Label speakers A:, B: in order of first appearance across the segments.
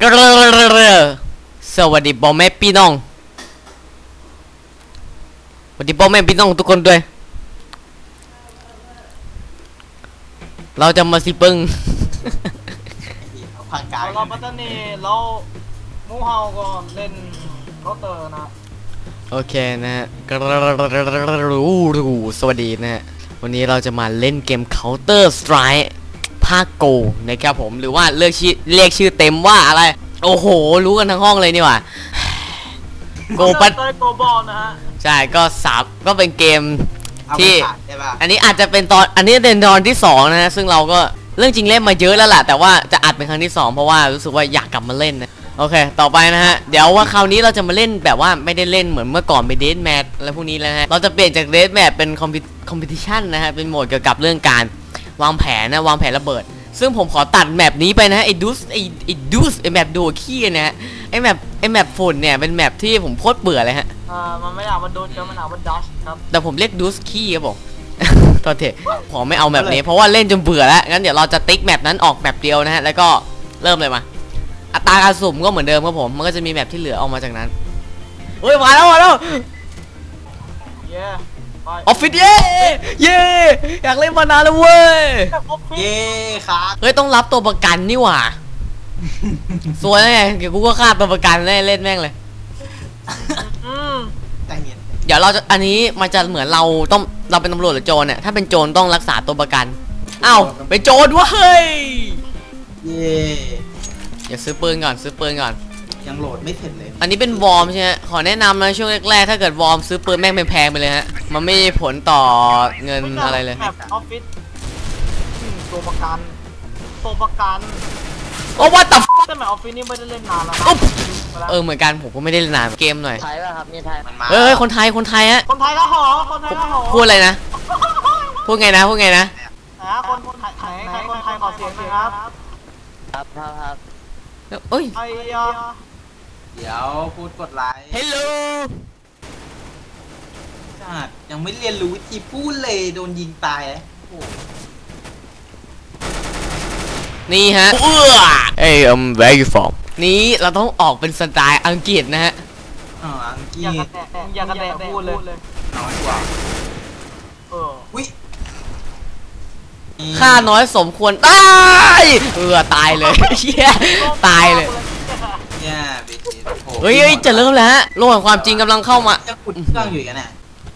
A: สวัสดีพ่อแม่พี่น้องสวัสดีพ่อแม่พี่น้องทุกคนด้วยเราจะมาสิปึ้ง
B: ผ่านกาย
C: เราปัตตานีเรามูเฮาก็เล่นเคาน์เตอร์นะ
A: โอเคนะฮะสวัสดีนะฮะวันนี้เราจะมาเล่นเกม Counter Strike ภาคโกนะครับผมหรือว่าเรียกชื่อเต็มว่าอะไรโอ้โหรู้กันทั้งห้องเลยนี่หว่า
C: โกปัตโกบอลนะฮะ
A: ใช่ก็เป็นเกมที่อันนี้อาจจะเป็นอันนี้เป็นตอนที่2นะฮะซึ่งเราก็เรื่องจริงเล่นมาเยอะแล้วแหละแต่ว่าจะอัดเป็นครั้งที่2เพราะว่ารู้สึกว่าอยากกลับมาเล่นนะโอเคต่อไปนะฮะเดี๋ยวว่าคราวนี้เราจะมาเล่นแบบว่าไม่ได้เล่นเหมือนเมื่อก่อนเป็นเดธแมทอะไรพวกนี้แล้วนะฮะเราจะเปลี่ยนจากเดธแมทเป็นคอมเพติชันนะฮะเป็นโหมดเกี่ยวกับเรื่องการวางแผนระเบิดซึ่งผมขอตัดแมปนี้ไปนะไอ้ดูสไอ้แมปดูขี้นะฮะไอ้แมปฝุ่นเนี่ยเป็นแมปที่ผมโคตรเบื่อเลยฮะ
C: มันไม่อยากมันโดนกันมันอยากมันดัชครับ
A: แต่ผมเรียกดูสขี้ครับผมตอนเถอะผมไม่เอาแมปนี้เพราะว่าเล่นจนเบื่อแล้วงั้นเดี๋ยวเราจะติ๊กแมปนั้นออกแมปเดียวนะฮะแล้วก็เริ่มเลยมาอัตราการสุ่มก็เหมือนเดิมครับผมมันก็จะมีแมปที่เหลือออกมาจากนั้นเฮ้ยมาแล้วออฟฟิศเย่อยากเล่นมานานแล้วเว้ย
B: เย่ครับ
A: เฮ้ยต้องรับตัวประกันนี่หว่าสวยไงเดี๋ยวกูก็ฆ่าตัวประกันเล่นแม่งเลยเดี๋ยวเราจะอันนี้มันจะเหมือนเราเป็นตำรวจหรือโจรเนี่ยถ้าเป็นโจรต้องรักษาตัวประกันอ้าวเป็นโจรวะเฮ้ย
B: เย่
A: เดี๋ยวซื้อปืนก่อน
B: ยังโหลดไม่เสร็จเลย
A: อันนี้เป็นวอร์มใช่ไหมขอแนะนำนะช่วงแรกๆถ้าเกิดวอร์มซื้อปืนแม่งแพงไปเลยฮะมันไม่มีผลต่อเงินอะไรเลย
C: แบบออฟฟิศตัวประกัน
A: โอ้ว่าแต่
C: แต่แบบออฟฟิศนี่ไม่ได้เล่นนานแล้ว
A: เหมือนกันผมก็ไม่ได้เล่นนานเกมหน่อย
C: ไทยป่ะครับนี่ไทย
A: เฮ้ยคนไทยฮะ
C: คนไทยก็หอ
A: พูดอะไรนะพูดไงนะ
C: คนไทยขอเสียงหน่อยครับ
A: เอ้ย
B: เดี๋ยวพูดกดไลค์
A: Hello
B: จัดยังไม่เรียนรู้วิธีพูดเลยโดนยิงตายเลย
A: นี่ฮะHey where you from นี้เราต้องออกเป็นสไตล์อังกฤษนะฮะ
B: อังกฤษ
C: อย่ากระแดะพูดเลย
B: น้อยกว่าวิ
A: ค่าน้อยสมควรตายตายเลยตายเลยเฮ้ยจะเริ่มแล้วฮะโลกแห่งความจริงกำลังเข้ามา
B: จะขุดเครื่องอยู่กันน่ะ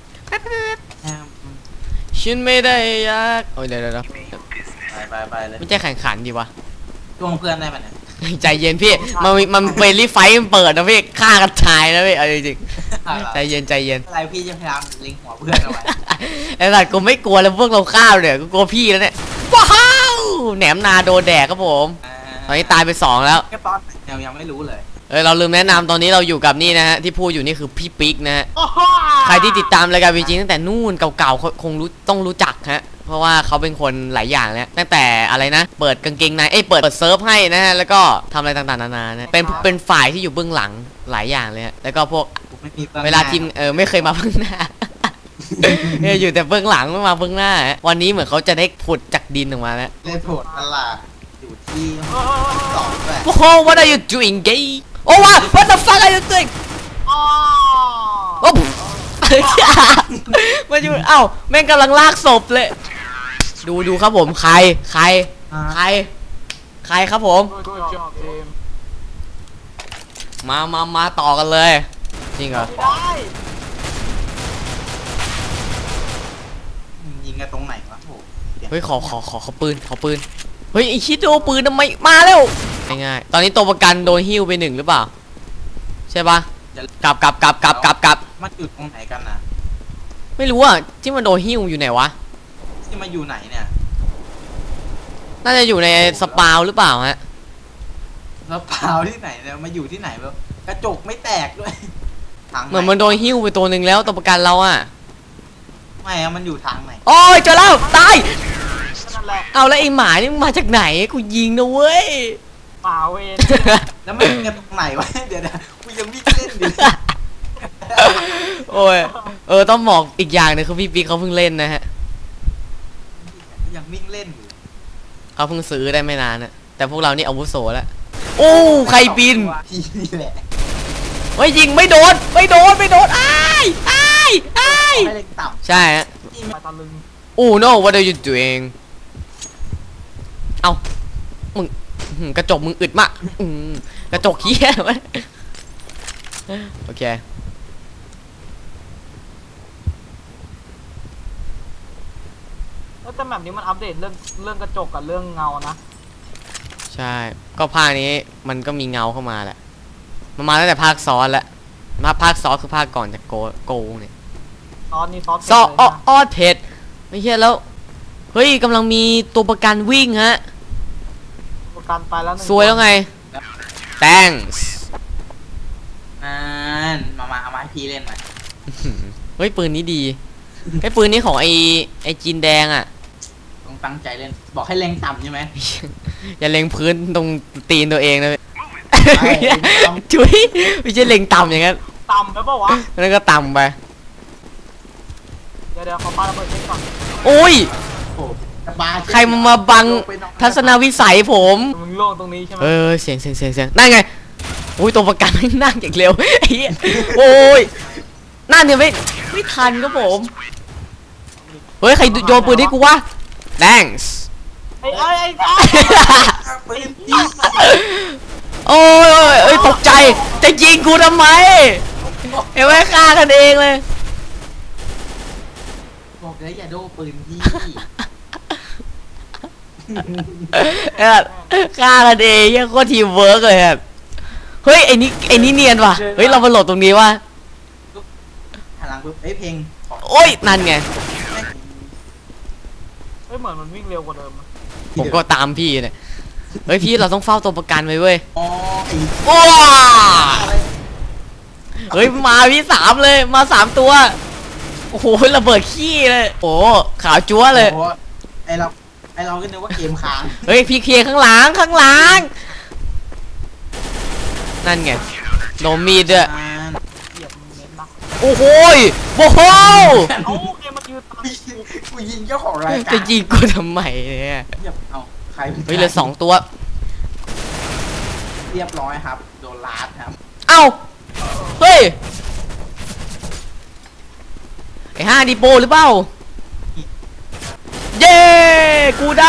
A: ฉันไม่ได้อยากโอ้ยเดี๋ยว
B: ไปเลย
A: ไม่ใช่แข่งขันดีวะ
B: ช่วงเพื่อนได้มันเนี่ย
A: ใจเย็นพี่มันเป็นรีไฟเปิดนะพี่ฆ่ากันชายนะพี่เอาจริงใจเย็น
B: อะไรพี่จะพยายามลิงหัวเพื่อนเอาไว้
A: ไอ้สัตว์กูไม่กลัวแล้วพวกเราฆ่าเลยกูกลัวพี่แล้วเนี่ยว้าวแหนมนาโดนแดกครับผมตอนนี้ตายไป2แล้ว
B: แค่ตอนยังไม่รู้เลย
A: เราลืมแนะนำตอนนี้เราอยู่กับนี่นะฮะที่พูดอยู่นี่คือพี่ปิ๊กนะฮะใครที่ติดตามรายการวีจีตั้งแต่นู่นเก่าๆคงต้องรู้จักฮะเพราะว่าเขาเป็นคนหลายอย่างแล้วตั้งแต่อะไรนะเปิดกางเกงในเปิดเซิร์ฟให้นะฮะแล้วก็ทำอะไรต่างๆนานานะเป็นฝ่ายที่อยู่เบื้องหลังหลายอย่างเลยฮะแล้วก็พวกเวลาทีมไม่เคยมาเบื้องหน้าอยู่แต่เบื้องหลังไม่มาเบื้องหน้าวันนี้เหมือนเขาจะได้ผุดจากดินออกมาแล้ว
B: ได้ผุดตลาดอยู่ที่2ด้วย
A: โอ้โห what are you doing gay โอ้ what the fuck are you doing โอ้มาอยู่แม่งกำลังลากศพเลยดูครับผมใครครับผมมาต่อกันเลยจริงเหรอ
B: ยิงกันตรงไหนวะ
A: เฮ้ยขอปืนเฮ้ยไอชิดโดปืนทำไมมาแล้วง่ายๆตอนนี้ตัวประกันโดนหิ้วไป1หรือเปล่าใช่ปะกลับ
B: มันอยู่ตรงไหนกันนะ
A: ไม่รู้อ่ะที่มันโดนหิ้วอยู่ไหนวะ
B: ที่มันอยู่ไหนเนี่ย
A: น่าจะอยู่ในสปาวหรือเปล่าฮะ
B: สปาวที่ไหนเนี่ยมาอยู่ที่ไหนแบบกระจกไม่แตกด้วย
A: เหมือนมันโดนหิ้วไปตัวหนึ่งแล้วตัวประกันเราอ่ะ
B: ไม่มันอยู่ทางไหน
A: โอ้ยเจอแล้วตายเอาแล้วไอ้หมานี่มาจากไหนกูยิงนะเว้ย
C: หมาเวน
B: แล้วมันเงินตรงไหนวะเดี๋ยวกูยังวิ่งเล่นอยู่
A: โอ้ยต้องบอกอีกอย่างนึงคือพี่ปิ๊กเขาเพิ่งเล่นนะฮะ
B: ยังวิ่งเล่นอยู่
A: เขาเพิ่งซื้อได้ไม่นานนะแต่พวกเรานี่อาวุโสแล้วโอ้ใครบิน
B: พี่นี่แหละ
A: เฮ้ยยิงไม่โดนอ้าย
B: ไม่เล็งต่ำ
A: ใช่ฮะ
B: พี่
C: ไปตะลึง
A: โอ้ no what are you doing เอามึงกระจกมึงอึดมากกระจกเหี้ยไหมโอเค
C: แต่แบบนี้มันอัปเดตเรื่องกระจกกับเรื่องเงานะ
A: ใช่ก็ภาคนี้มันก็มีเงาเข้ามาแหละมันมาตั้งแต่ภาคซ้อนแล้วภาคซ้อนคือภาคก่อนจากโกเนี่ย
C: ซอสนี่ซอส
A: ซอออดเผ็ดไม่ใช่แล้วเฮ้ยกำลังมีตัวประกันวิ่งฮะ
C: ประกันไปแล้วหนึ่ง
A: สวยแล้วไง thanks
B: มาเอามาให้พี่เล่นหน่อย
A: เฮ้ยปืนนี้ดีไอ้ปืนนี้ของไอ้จีนแดงอ่ะ
B: ต้องตั้งใจเล่นบอกให้เล็งต่ำใช่ไหม
A: อย่าเล็งพื้นตรงตีนตัวเองนะ
B: ใช่เล็งต่ำ
A: จุ๊ยไม่ใช่เล็งต่ำอย่างนั้น
C: ต่ำไปเปล่าวะ
A: นั่นก็ต่ำไป
C: เดี๋ยวขอปาระเบิดเช็คก่อน
A: โอ้ย
B: โอ้บา
A: ใครมาบังทัศนวิสัยผม
C: มึงโล่งตรงนี้ใช่ไหม
A: เสียงนั่นไงโอ้ยตัวประกันไม่นั่งอย่างเร็วไอ้เหี้ยโอ้ยนั่นเนี่ยไม่ทันครับผมเฮ้ยใครโยนปืนให้กูวะ thanks
C: ไอ้จ้า
B: ปืนพี่
A: โอ้ยตกใจจะยิงกูทำไมเห็นไหมฆ่ากันเองเลย
B: บอกเลยอย่าโดนปืนพี่
A: ฆ่ากันเองยังโคตรทีมเวิร์กเลยครับเฮ้ยไอ้นี่เนียนว่ะเฮ้ยเรามาโหลดตรงนี้ว่ะ
B: หันหลังปุ๊บเพลง
A: โอ้ยนั่นไง
C: เฮ้ยเหมือนมันวิ่งเร็วกว่าเดิม
A: ผมก็ตามพี่เนี่ยเฮ้ยพี่เราต้องเฝ้าตัวประกันไว้เว้ย
B: อ๋อไอ้
A: ว้า
B: อะไร
A: เฮ้ยมาพี่3เลยมา3ตัวโอ้โหระเบิดขี้เลยโอ้ขาวจั๊วเลย
B: โอ้ไอเราก็นึกว่าเกมค้าง
A: เฮ้ยพี่เคลียร์ข้างหลังนั่นไงโดนมีดด้วย
C: เหยียบมึงเน้นนะ
A: โอ้โหโอ้โห
C: เอ้าเกมมายืนตาม
B: กูยิงเจ้าของรายการ
A: จะยิงกูทำไมเนี่ย
B: เอาใคร
A: เฮ้ยเหลือ2ตัว
B: เรียบร้อยครับโดนลาดครับ
A: เอ้าเฮ้ยไอ้5ดีโปหรือเปล่าเย้กูได้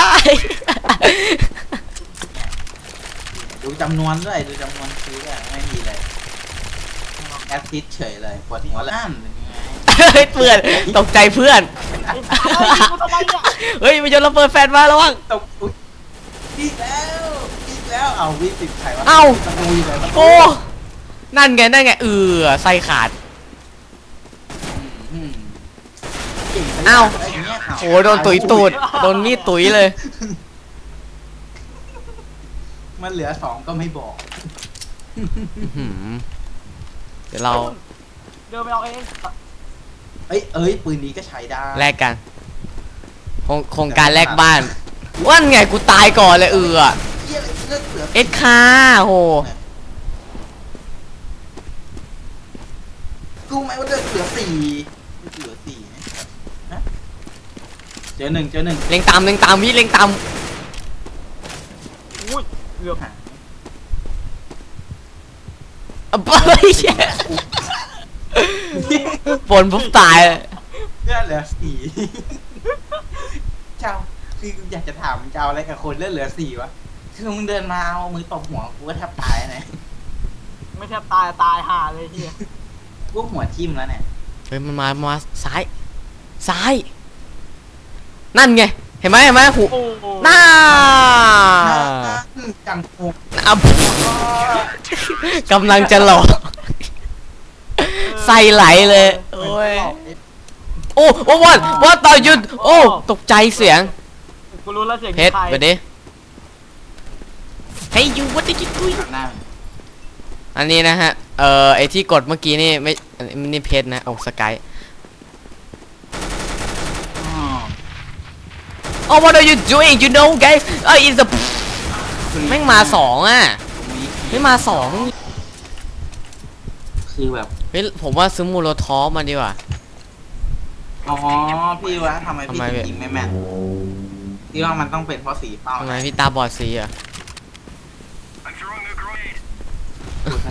B: ดูจำนวนด้วยดูจำนวนซื้อด้วยไม่มีเลยแอสซิสเฉยเลยปวดหัวแล้วเป็นยังไง
A: เฮ้ยเพื่อนตกใจเพื่อน
C: ไอ้กูทำไมเนี่ย
A: เฮ้ยไม่ยอมระเบิดแฟนมาแล้ววัง
B: ตกอุ๊ยอีกแล้วเอาวิติดใครวะ
A: เอ้า
B: ตะปูอยู่ไหนตะปู
A: โอ้นั่นไงไส้ขาด
B: อืมเก่งไป
A: เอ้า
B: ะไรย่งเงี้ย
A: โอ้โดนตุ๋ยตูดโดนมีดตุ๋ยเลย
B: มันเหลือ2ก็ไม่บอก
A: เดี๋ยวเรา
C: เดินไปเอาเอง
B: เอ้ยปืนนี้ก็ใช้ได้
A: แลกกันโครงการแลกบ้านว่าไงกูตายก่อนเลย
B: เหี้ยเลือดเหลือ
A: เอ็ดคาโห
B: กูไหมว่าเลือดเหลือ4เหลือ4นะเจอหนึ่ง
A: เล็งตามพี่เล็งตาม
C: อุ้ยเกือบ
B: หา
A: เฮ้ยปนปุ๊บตายเลย
B: เลือดเหลือ4เจ้าคืออยากจะถามเจ้าอะไรกับคนเลือดเหลือ4วะคือมึงเดินมาเอามือตบหัวกูก็แทบตายนะ
C: ไม่แทบตายห่าเลยเฮีย
B: กูหัวทิ่มแล้วเนี่ย
A: เฮ้ยมันมาซ้ายนั่นไงเห็นไหมหู
C: โอ้โห
A: น่า
B: จังโง
A: อ่ะกำลังจะหลอกใส่ไหลเลยโอ้ยโอ้ว่าต่อหยุดโอ้ตกใจเสียง
C: กูรู้แล้วเสียง
A: เพชร
C: ใคร
A: ไปดิ Hey you what did you do
B: หน้า
A: อันนี้นะฮะไอที่กดเมื่อกี้นี่ไม่นี่เพชรนะโอ้สกาย Oh what are you doing you know guys it's a แม่งมา2อ่ะไม่มา2
B: คือแบบ
A: เฮ้ยผมว่าซื้อมูโรทอฟมาดีกว่า
B: อ๋อพี่วะทำไมพี่
A: ทำไม
B: ถึงยิงไม่แม่นพี่ว่ามันต้องเป็นเพราะสีเป้า
A: ทำไมพี่ตาบอดสีอ่ะ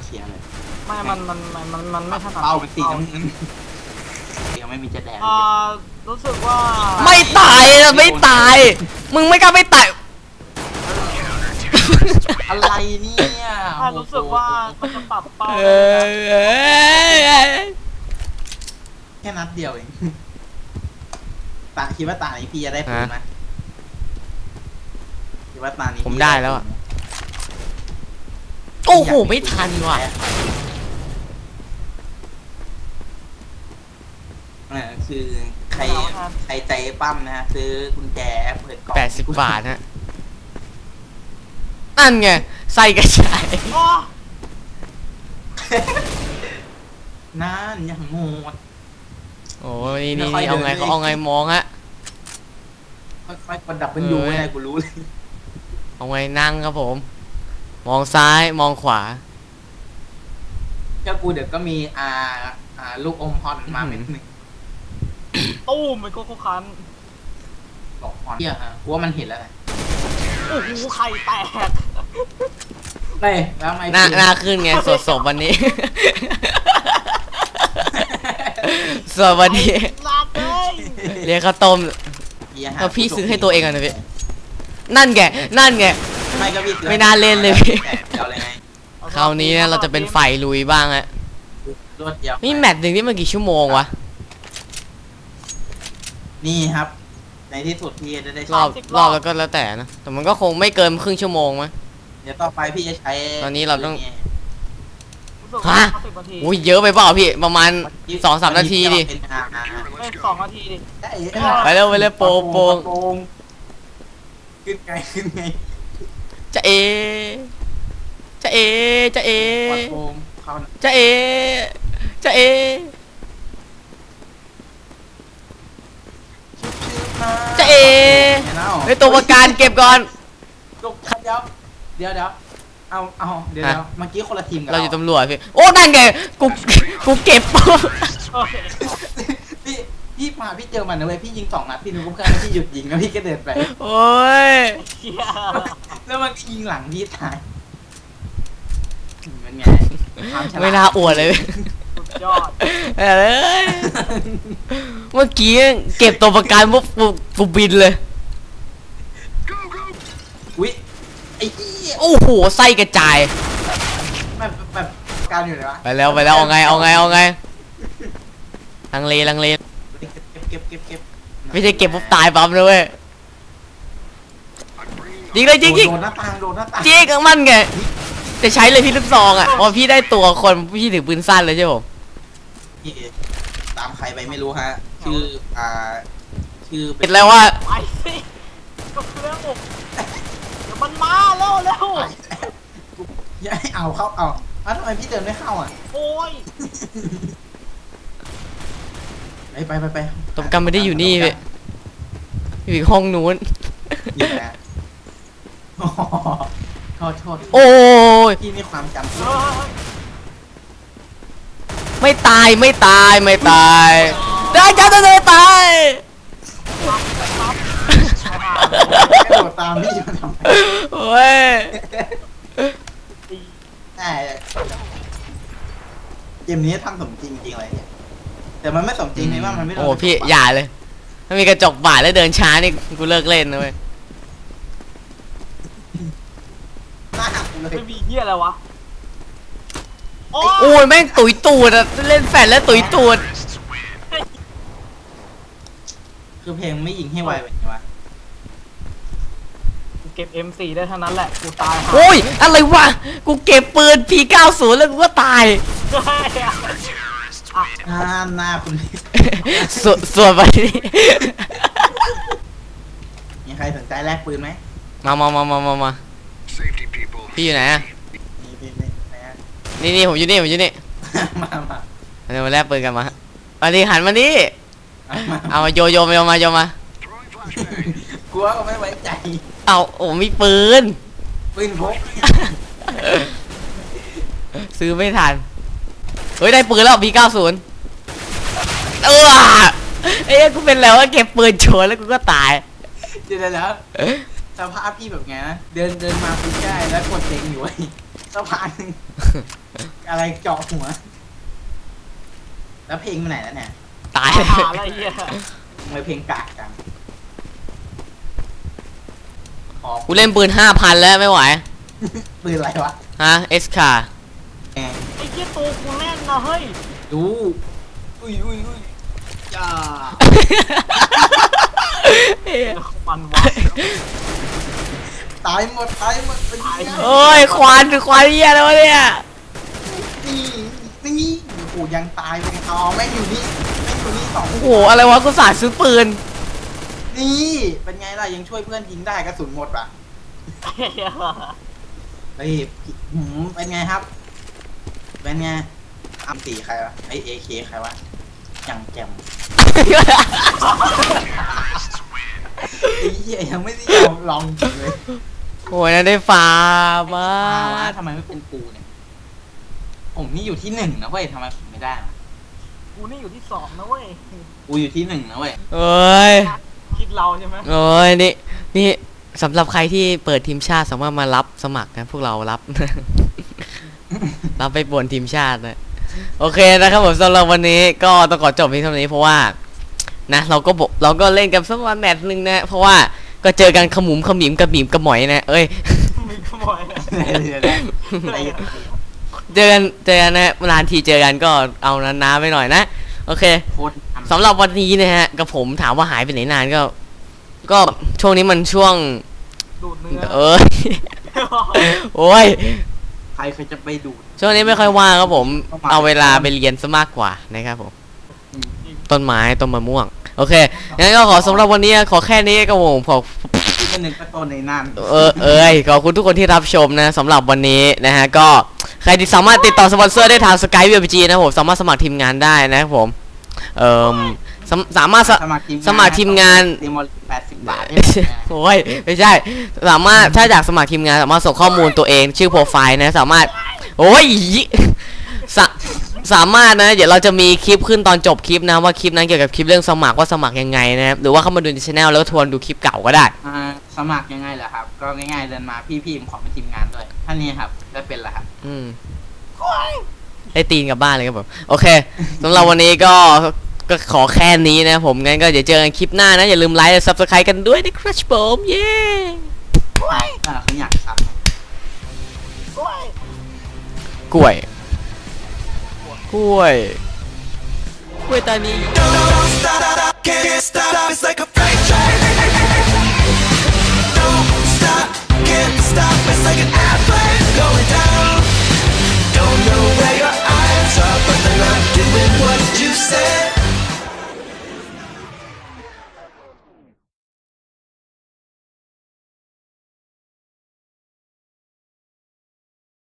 B: เคลียร์เลย
C: ไม่มันไม่ถนัด
B: เป้าเป็นสีน้ำเงินยังไม่มีจะแดง
C: รู้สึกว่า
A: ไม่ตายนะไม่ตาย มึงไม่กล้าไม่ตาย
B: อะไรเนี่ย
C: รู้สึกว่ามันจะปรับเป้า
B: แค่นัดเดียวเองตาคิดว่าตานี้พี่จะได้ปืนไหมคิดว่าตานี้
A: ผมได้แล้วอ่ะโอ้โหไม่ทันว่ะ
B: คือใครใจปั้มนะฮะซื้อกุญแจเปิดกล่อง
A: 80 บาทฮะนั่นไงไส้กระจาย
B: นั่นยังโหด
A: โอ้ยนี่เอาไงเขาเอาไงมองฮะ
B: ค่อยๆกดดับเป็นยูไงกูรู้เลย
A: เอาไงนั่งครับผม มองซ้ายมองขวา
B: เจ้ากูเดี๋ยวก็มีลูกอมฮอนมาเป็นหนึ่ง
C: ตู้มันโคคัน
B: บอกฮอนเฮียฮะกูว่ามันเห็นแล้วไง
C: โอ้โหไข่แตก
B: เฮ้ยแล้วไม่
A: หน้าขึ้นไงสดวันนี้ สดวันนี้
C: ลาดเลย
A: เรียกข้าวต้มแล้วพี่ซื้อให้ตัวเองอ่ะนะพี่นั่นไง
B: ไม่ก็พี่ซื้อ
A: ไม่น่าเล่นเลยพี่
B: เดี๋ยวเลยไง
A: คราวนี้เนี่ยเราจะเป็นไฟลุยบ้างฮะ
B: รวดเดียว
A: นี่แมตช์หนึ่งนี่มันกี่ชั่วโมงวะ
B: นี่ครับในที่สุดพี่จะได้
A: รอบแล้วก็แล้วแต่นะแต่มันก็คงไม่เกินครึ่งชั่วโมงมั้ย
B: เดี๋ยวต่อไปพี่จะใช้
A: ตอนนี้เราต้อง
C: ฮะ
A: อุ้ยเยอะไปเปล่าพี่ประมาณ 2-3 นาทีดิ
C: 2 นาทีดิ
A: ไปเร็วโปง
B: ขึ้นไง
A: จะเอจะเอ
B: จะเอ
A: จะเอไอตัวประกันเก็บก่อน
B: เดี๋ยวเอาเดี๋ยวเมื่อกี้คนละทีมกัน
A: เราอยู่ตำรวจพี่โอ้นั่นไงกูเก็บ
B: พี่มาพี่เจอมันนะเว้ยพี่ยิง2 นัดพี่นึกว่าพี่หยุดยิงแล้วพี่ก็เดินไป
A: โอ้ย
B: แล้วมันก็ยิงหลังพี่ตายมันไง
A: ไม่น่าอวดเลย
C: ยอด
A: เมื่อกี้เก็บตัวประกันปุ๊บกูบินเลย
B: อุ้ย
A: โอ้โหไส้กระจาย
B: แบบการอยู่ไหนวะ
A: ไปแล้วเอาไงลังเล
B: เก็บ
A: ไม่ใช่เก็บปุ๊บตายปั๊มเลยเว้ยยิงเลยจริง
B: โดนหน้าต่าง
A: จริงมันไงจะใช้เลยพี่ลูกซองอ่ะพอพี่ได้ตัวคนพี่ถือปืนสั้นเลยใช่ผม
B: ตามใครไปไม่รู้ฮะชื่อ
A: เป็นแล้วว่า
C: ไปสิก็คือเรื่องอกเดี๋ยวมันมาเร็ว
B: อย่าให้เอาเข้าทำไมพี่เดินไม่เข้าอ่ะ
C: โอ้ย
B: ไป
A: ตบกันไม่ได้อยู่นี่พี่อยู่อีกห้องนู้น
B: อยู่นะโทษ
A: โอ้ย
B: พี่มีความจำ
A: ไม่ตายได้จะตาย
B: กระโดดตามพี่มาทำไม
A: โอ้ย
B: เกมนี้ทำสมจริงอะไรเนี่ยแต่มันไม่สมจริงเลยว่ามันไม่
A: โอ้พี่อย่าเลยถ้ามีกระจกบาดแล้วเดินช้านี่กูเลิกเล่นนะเว้ย
C: ไม่มีเหี้ยอะไรวะ
A: โอ้ยแม่งตุ๋ยตูดอะเล่นแฟนแล้วตุ๋ยตูด
B: คือเพลงไม่ยิงให้ไวแบบนี้วะ
C: กูเก็บ M4 ได้เท่านั้นแหละกูตาย
A: โอ้ยอะไรวะกูเก็บปืน P90 แล้วกูก็ตาย
B: หน้าคุณ
A: ส่วนไปนี่
B: มีใครสนใจแลกปืนไหม
A: มาพี่อยู่ไหนอะนี่ผมอยู่นี่
B: มา
A: เดี๋ยวมาแลกปืนกันมาอันนี้หันมานี่เอามาโยมาก
B: ลัวก็ไม่ไว้ใจ
A: เอาโอ้มีปืน
B: พก
A: ซื้อไม่ทันเฮ้ยได้ปืนแล้วP90เอ้ยกูเป็นแล้วว่าเก็บปืนโชว์แล้วกูก็ตาย
B: เดี๋ยวสภาพพี่แบบไงนะเดินมาปุ๊บได้แล้วกดเต็งอยู่ไอ้สะพานอะไรเจาะหัวแล้วเพลงไปไหนแล้วเนี่ย
A: ตาย
C: หาอะไรเงี้ย
B: ทำไมเพลงกากจัง
A: กูเล่นปืน 5,000 แล้วไม่ไหว
B: ปืนอะไรวะ
A: ฮะเอสคา
B: แหม
C: ไอ้เหี้ยตัวกูแน่นนะเฮ้ย
B: ดูอุ้ยจ้า
C: มันวะ
B: ตายหมดเป็นไง
A: โอ้ยควานเหี้ยแล้วเนี่ย
B: นี่โอ้โหยังตายเลยเอาแม่งอยู่นี่สอง
A: โอ้โหอะไรวะกูสาดซื้อปืน
B: นี่เป็นไงล่ะยังช่วยเพื่อนยิงได้กระสุนหมดปะเฮ้ยเป็นไงครับเป็นไงอัมตีใครวะไอเอเคใครวะยังแกมไอ้เหี้ยยังไม่ได้ลองจริงเลย
A: โอ้ยนั่นได้ฟาร์มาก
B: ทำไมไม่เป็นกูเนี่ยผมนี่อยู่ที่1นะเว้ยทำไมผมไม่ได้ล่ะ
C: กูนี่อยู่ที่2นะเว้ย
B: กูอยู่ที่1นะเว้ย
A: เอ้ย
C: คิดเราใช่ไหม
A: โอ้ยนี่สำหรับใครที่เปิดทีมชาติสามารถมารับสมัครนะพวกเรารับ รับไปบนทีมชาตินะโอเคนะครับผมสำหรับวันนี้ก็ต้องขอจบเพียงเท่านี้เพราะว่านะเราก็เล่นกันสักวันแมตช์นึงนะเพราะว่าก็เจอกันขมุมขมิมกระหมิมกระหมอยนะเอ้ย
C: มีขโมย
A: เจอกันนะนานทีเจอกันก็เอานานๆไปหน่อยนะโอเค
B: โคตร
A: สำหรับวันนี้นะฮะกับผมถามว่าหายไปไหนนานก็ช่วงนี้มันช่วง
C: ดูดเนื้อ
A: เอ้ย โอ้ย
B: ใครจะไปดูด
A: ช่วงนี้ไม่ค่อยว่างครับผมเอาเวลาไปเรียนซะมากกว่านะครับผมต้นไม้ต้นมะม่วงโอเคงั้นก็ขอสำหรับวันนี้ขอแค่นี้ครับผมขอ
B: ที่เป็นหนึ่งประตูในนั่น
A: ขอบคุณทุกคนที่รับชมนะสำหรับวันนี้นะฮะก็ใครที่สามารถติดต่อสปอนเซอร์ได้ทาง Skype VPG นะผมสามารถสมัครทีมงานได้นะครับผมสามารถสมัครทีมงาน
B: ทีมอล80 บาท
A: โอ้ยไม่ใช่สามารถถ้าอยากสมัครทีมงานสามารถส่งข้อมูลตัวเองชื่อโปรไฟล์นะสามารถโอ้ยสามารถนะเดี๋ยวเราจะมีคลิปขึ้นตอนจบคลิปนะว่าคลิปนั้นเกี่ยวกับคลิปเรื่องสมัครว่าสมัครยังไงนะครับหรือว่าเข้ามาดูในช่องแล้วก็ทวนดูคลิปเก่าก็ได้
B: สมัครยังไงเหรอครับก็ง่ายๆเดินมาพี่ผมขอเป็นทีมงานด้วยท่านนี้ครับได้เป็นละครับ
A: ให้ตีนกลับบ้านเลยครับผมโอเคสำหรับวันนี้ก็ขอแค่นี้นะผมงั้นก็เดี๋ยวเจอกันคลิปหน้านะอย่าลืมไลค์และ Subscribe กันด้วยนะครับผมเย้
B: เขาอยากซับ
A: กล้วยตานี
D: Don't stop, can't stop, it's like a freight train. Don't stop, can't stop, it's like an airplane going down. Don't know where your eyes are, but they're not doing what you say.